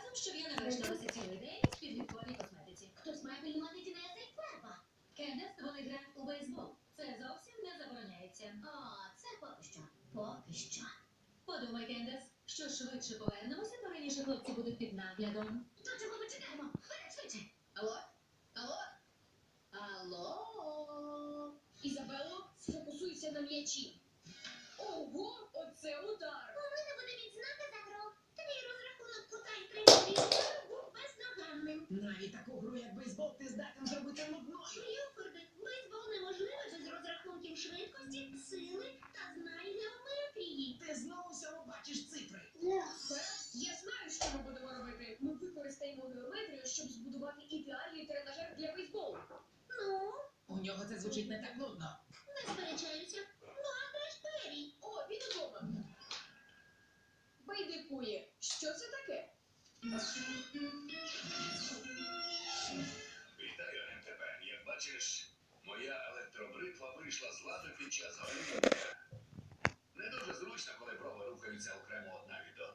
часом, щоб я не вишталася цілий день в підлітковій косметиці. Хтось має пильнувати тінеса і фарба. Кендес, вони грають у бейсбол. Це зовсім не забороняється. О, це поки що. Поки що. Подумай, Кендес, що швидше повернемося, то раніше хлопці будуть під наглядом. То чого ми чекаємо? Вперед, швидше. Алло? Алло? Алло? Ізабело, сфокусуйся на м'ячі. Ого, оце удар! У мене буде відзнака за гру. Твій розрахунок кута і третій був бездоганним. Навіть таку гру, як бейсбол, ти здатен зробити нудною. Крюфорде, бейсбол неможливо без розрахунків швидкості, сили та знань геометрії. Ти знову всьому бачиш цифри. Я знаю, що ми будемо робити. Ми використаємо геометрію, щоб збудувати ідеальний тренажер для бейсболу. Ну, У нього це звучить не так нудно. не сперечаюся. Ну, а де ж Перрі? О, він удома. Байдикує. Що це таке? Вітаю, МТП. Як бачиш, моя електробритва вийшла з ладу під час горіння. Не дуже зручно, коли проби рухаються окремо одна від